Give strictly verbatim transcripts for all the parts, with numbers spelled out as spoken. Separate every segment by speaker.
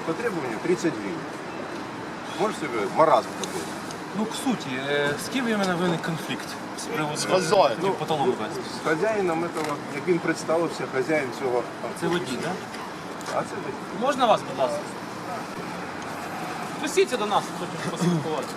Speaker 1: по требованию тридцать гривен. Можете себе маразм такой?
Speaker 2: Ну, к суті, е, з ким в мене виник конфлікт з приводу
Speaker 3: хазяїном.
Speaker 2: ну, по талону вести?
Speaker 1: З хазяїном этого, як він представився, хазяїн цього
Speaker 2: Це водій, так? Да?
Speaker 1: А це водій.
Speaker 2: Можна вас, будь ласка? Пустіться до нас, хочемо поспілкуватися.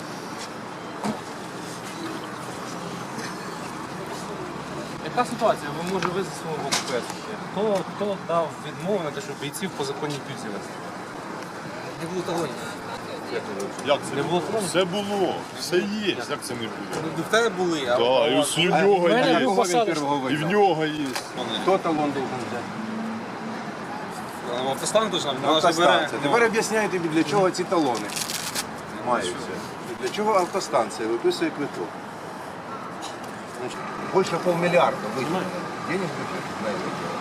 Speaker 2: Яка ситуація? Ви може визвати свого ОПС? Хто, хто дав відмову на те, щоб бійців по законній пільзі вести?
Speaker 4: Не було талонів.
Speaker 3: Як це
Speaker 2: Не було талонів?
Speaker 3: Все було, все є. Як це не було?
Speaker 4: Ну, в тебе були, а
Speaker 3: Так, і ось і в нього
Speaker 2: мене
Speaker 3: є.
Speaker 2: був посадок.
Speaker 3: І в нього є.
Speaker 1: Хто талон должен взяти?
Speaker 4: автостан дуже нам
Speaker 1: Автостанція. Тепер об'ясняйте, для чого ці талони маються. Для чого автостанція виписує квиток? Значить, більше полмільярда витягнули. Денег бюджет на это дело.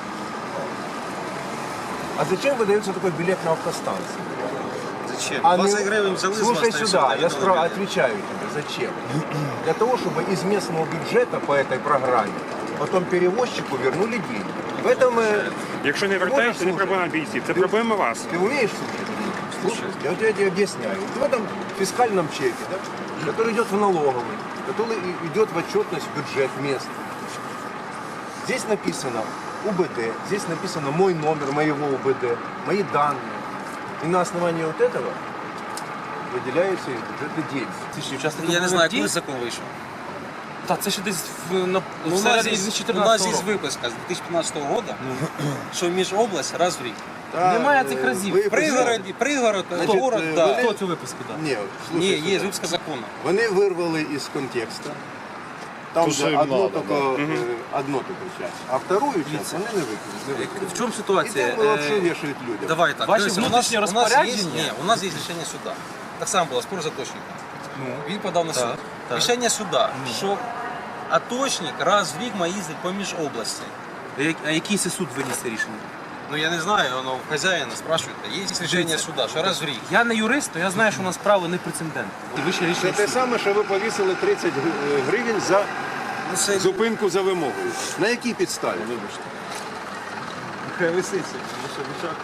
Speaker 1: А зачем выдается такой билет на автостанцию?
Speaker 4: Зачем?
Speaker 1: А
Speaker 4: двадцять
Speaker 1: не-
Speaker 4: гривень взяли з вас,
Speaker 1: Слушай
Speaker 4: та й
Speaker 1: сюда,
Speaker 4: все,
Speaker 1: я
Speaker 4: та й
Speaker 1: спро...
Speaker 4: дали.
Speaker 1: отвечаю тебе, зачем? Для того, чтобы из местного бюджета по этой программе потом перевозчику вернули деньги. В этом э,
Speaker 5: Якщо не вертаєш, це не проблема бійців, це проблема вас.
Speaker 1: ты умеешь слушать? Слушай, я вот я тебе объясняю. В этом фискальном чеке, да, который идет в налоговый, который и- идет в отчетность в бюджет мест. Здесь написано УБД, здесь написано мой номер моего УБД, мои данные. И на основании вот этого выделяются из бюджета деньги.
Speaker 2: Це ще учасники
Speaker 4: Я не знаю,
Speaker 2: бойових
Speaker 4: коли
Speaker 2: дій?
Speaker 4: закон вийшов.
Speaker 2: Так, це ще десь в, на,
Speaker 4: Ну, у нас
Speaker 2: всередині
Speaker 4: є, у нас
Speaker 2: чотирнадцятого
Speaker 4: є
Speaker 2: року.
Speaker 4: виписка з дві тисячі п'ятнадцятого року, що між область раз в рік.
Speaker 2: Немає
Speaker 1: Да,
Speaker 2: цих
Speaker 1: э,
Speaker 2: разів.
Speaker 1: вы
Speaker 4: Пригород, пригород,
Speaker 1: Значить,
Speaker 4: город,
Speaker 1: е,
Speaker 4: да.
Speaker 1: вони-
Speaker 2: Хто цю виписку дав?
Speaker 1: Ні,
Speaker 4: Ні,
Speaker 1: слушай
Speaker 4: є
Speaker 1: сюди.
Speaker 4: виписка закону.
Speaker 1: Вони вирвали із контекста. Там
Speaker 3: То,
Speaker 1: же
Speaker 3: що їм
Speaker 1: одно
Speaker 3: надо,
Speaker 1: только, э, одно только часть. А вторую часть вони не викинули.
Speaker 4: В чому
Speaker 1: І
Speaker 4: ситуація?
Speaker 1: там вообще
Speaker 4: Е,
Speaker 1: вішають людям.
Speaker 4: Давай так.
Speaker 2: Ваші
Speaker 4: Дивіться,
Speaker 2: внутрішні
Speaker 4: у нас, у нас є,
Speaker 2: розпорядження?
Speaker 4: ні, у нас є рішення суда. Так само було, спор заточника. Він подав на суд.
Speaker 2: так.
Speaker 4: Рішення суда, що аточник раз в рік має їздити поміж області.
Speaker 2: А який це суд виніс це рішення?
Speaker 4: Ну я не знаю, воно в хазяїна спрашиваєте. Є рішення суда, що раз в рік.
Speaker 2: Я не юрист, то я знаю, що у нас право не прецедентне. І вище
Speaker 1: Це
Speaker 2: рішення
Speaker 1: те
Speaker 2: суду.
Speaker 1: саме, що ви повісили тридцять гри- гривень за
Speaker 4: Ну, це
Speaker 1: зупинку за вимогою. На якій підставі? Вибачте.
Speaker 4: нехай висить. Що вичак.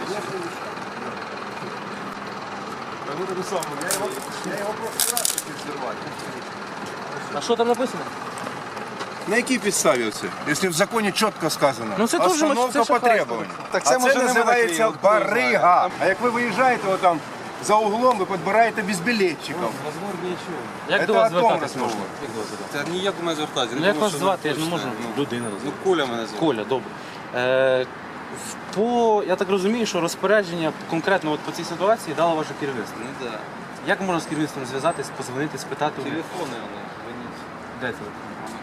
Speaker 1: Я його просто раз хотів зірвати.
Speaker 2: А що там написано?
Speaker 1: На якій підставі це? Якщо в законі чітко сказано.
Speaker 2: Ну, це теж
Speaker 1: Остановка
Speaker 2: це ж
Speaker 1: по
Speaker 2: шахрайство.
Speaker 1: требуванню.
Speaker 4: Так
Speaker 1: А
Speaker 4: це,
Speaker 1: це
Speaker 4: може, не
Speaker 1: називається
Speaker 4: мене клеїв, хто
Speaker 1: барига. А як ви виїжджаєте отам за углом, ви підбираєте безбілетчиків.
Speaker 4: Розговор нічого.
Speaker 2: Як
Speaker 1: Це
Speaker 2: до вас
Speaker 1: о том
Speaker 2: звертатись
Speaker 1: розмова.
Speaker 2: можна? Як до вас звертатись?
Speaker 4: Та ніяк у мене звертатися.
Speaker 2: Ну, як вас звати? Я ж не можу людина
Speaker 4: Ну,
Speaker 2: назвати.
Speaker 4: Коля мене звати.
Speaker 2: Коля, добре. Е, в- по, я так розумію, що розпорядження конкретно от по цій ситуації дало ваше керівництво.
Speaker 4: Ну так.
Speaker 2: Як можна з керівництвом зв'язатись, позвонити, спитати? у них?
Speaker 4: Телефони вони. дзвоніть.
Speaker 2: Де телефон?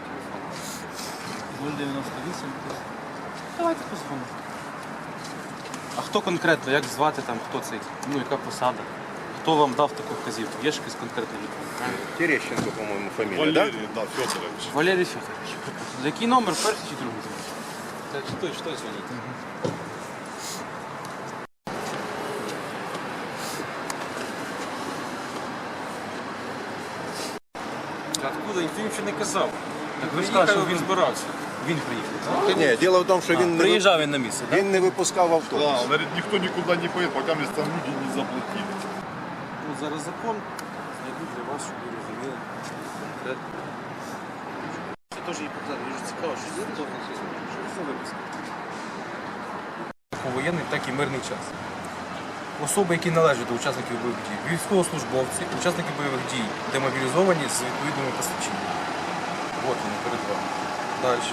Speaker 2: нуль дев'яносто вісім. Давайте позвонимо. А хто конкретно, як звати там, хто цей, ну яка посада? Хто вам дав таку вказівку? Є ж якийсь конкретний людина?
Speaker 1: Терещенко, по-моєму, фамілія, так?
Speaker 3: Валерій, да, Федорович.
Speaker 2: Валерій Федорович. Який номер, перший чи другий?
Speaker 4: Так, що, що дзвоніть? Откуда? Ніхто нічого не казав.
Speaker 2: Так ви ж
Speaker 4: Приїхав,
Speaker 2: кажете, що
Speaker 4: він
Speaker 2: він-
Speaker 4: збирався.
Speaker 2: Він приїхав.
Speaker 1: Ні, діло в тому, що він не,
Speaker 2: Приїжджав він на місце,
Speaker 1: ви-
Speaker 2: так?
Speaker 1: він не випускав автобус.
Speaker 3: Да, он говорит, никто никуда не поедет, пока мне там люди не заплатили.
Speaker 4: Ну, зараз закон знайду для вас, щоб ви розуміли. Це теж є питання, дуже цікаво, що це що це за виписка?
Speaker 2: Як у воєнний, так і мирний час. Особи, які належать до учасників бойових дій, військовослужбовці, учасники бойових дій, демобілізовані з відповідними посвідченнями. От вони перед вами. Далі.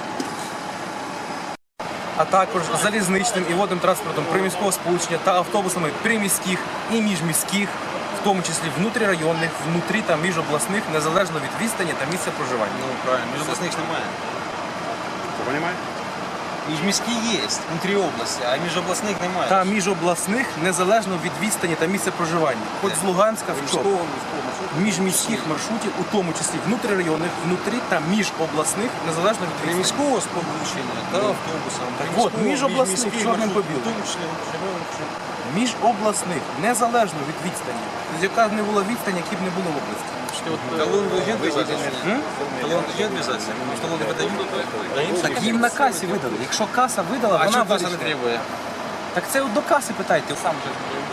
Speaker 2: А також залізничним і водним транспортом приміського сполучення та автобусами приміських і міжміських, в тому числі внутрірайонних, внутрі та міжобласних, незалежно від відстані та місця проживання.
Speaker 4: Ну, правильно, між обласних немає.
Speaker 5: Понимаєте?
Speaker 4: Міжміські є, внутрі області, а між обласних немає.
Speaker 2: Та міжобласних, незалежно від відстані та місця проживання. Хоч з Луганська в чому.
Speaker 4: Міського, міського маршруту.
Speaker 2: Міжміських маршрутів, у тому числі внутрірайонних, внутрі та міжобласних, незалежно від відстані.
Speaker 4: Міського сполучення та автобусом.
Speaker 2: Так от, міжобласних, чорним по білому.
Speaker 4: В тому числі внутрішнього.
Speaker 2: Міжобласних, незалежно від відстані. Тобто, яка б не була відстань, які б не було в області.
Speaker 4: Талон должен вязаться? Талон должен вязаться? Может, талон не выдают?
Speaker 2: Так їм на касі видали. Якщо каса видала,
Speaker 4: А
Speaker 2: вона
Speaker 4: что касса не
Speaker 2: вирішила.
Speaker 4: требует?
Speaker 2: Так це от до каси питайте. Сам же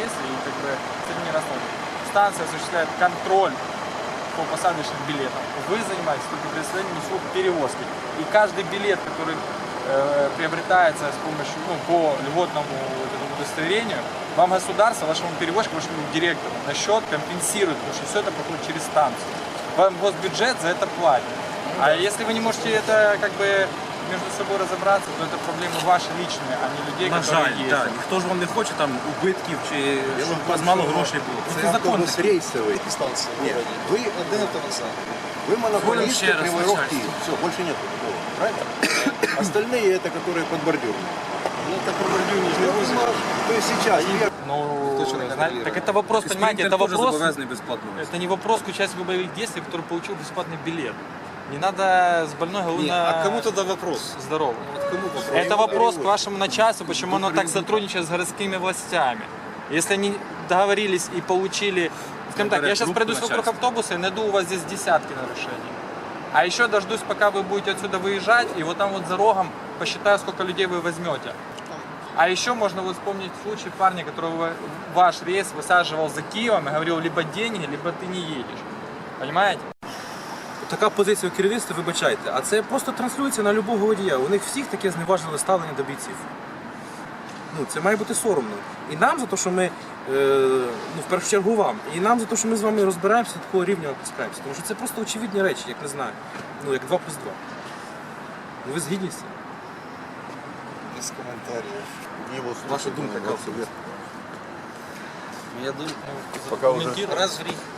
Speaker 6: действий, и как бы с этим не расстроены. Станция осуществляет контроль по посадочным билетам. Вы занимаетесь только предоставлением услуг перевозки. И каждый билет, который э, приобретается с помощью, ну, по льготному вот этому удостоверению, вам государство, вашему перевозчику, вашему директору на счет компенсирует, потому что все это проходит через станцию. Вам госбюджет за это платит. А если вы не можете это как бы между собой разобраться, то это проблемы ваши личные, а не людей,
Speaker 2: На
Speaker 6: которые
Speaker 2: жаль,
Speaker 6: есть.
Speaker 2: так. Ніхто ж вам не хоче там убитків чи щоб у вас
Speaker 1: том,
Speaker 2: мало
Speaker 1: что
Speaker 2: грошей було.
Speaker 1: Це
Speaker 2: Це закон
Speaker 1: автобус
Speaker 2: такий.
Speaker 1: рейсовый.
Speaker 4: Станция в
Speaker 1: Нет,
Speaker 4: городе.
Speaker 1: вы,
Speaker 4: Один автовокзал.
Speaker 1: вы монополисты
Speaker 2: еще раз
Speaker 1: Кривой Рог
Speaker 2: начальство.
Speaker 1: Киев. Все, больше нет такого. Правильно? Остальные это, которые под бордюром.
Speaker 4: Ну, так бордюр не возит.
Speaker 1: То есть сейчас первый
Speaker 6: Ну,
Speaker 4: Кто же
Speaker 6: знаете, так это вопрос, понимаете, это
Speaker 2: Спринтер теж
Speaker 6: вопрос,
Speaker 2: зобов'язаний безплатно.
Speaker 6: это не вопрос к участнику боевых действий, который получил бесплатный билет. Не надо с больной головы
Speaker 4: Не,
Speaker 6: на
Speaker 4: а кому тогда вопрос?
Speaker 6: здоровый.
Speaker 4: Вот кому вопрос?
Speaker 6: Это вопрос к вашему начальству, почему оно так сотрудничает с городскими властями. Если они договорились и получили... Скажем так, я сейчас
Speaker 2: Группу
Speaker 6: пройдусь вокруг
Speaker 2: начальства.
Speaker 6: автобуса и найду у вас здесь десятки нарушений. А еще дождусь, пока вы будете отсюда выезжать, и вот там вот за рогом посчитаю, сколько людей вы возьмете. А еще можно вот вспомнить случай парня, которого ваш рейс высаживал за Киевом и говорил, либо деньги, либо ты не едешь. Понимаете?
Speaker 2: Така позиція у керівництва, вибачайте, а це просто транслюється на любого водія. У них всіх таке зневажливе ставлення до бійців. Ну, це має бути соромно. І нам за те, що ми, е, ну, в першу чергу вам, і нам за те, що ми з вами розбираємося, до такого рівня опускаємося. Тому що це просто очевидні речі, як не знаю. Ну, як два плюс два. Ну, ви згідні з цим?
Speaker 4: Без комментариев.
Speaker 2: Ваша думка, яка?
Speaker 4: Я думаю,
Speaker 1: Пока уже
Speaker 4: раз в рік.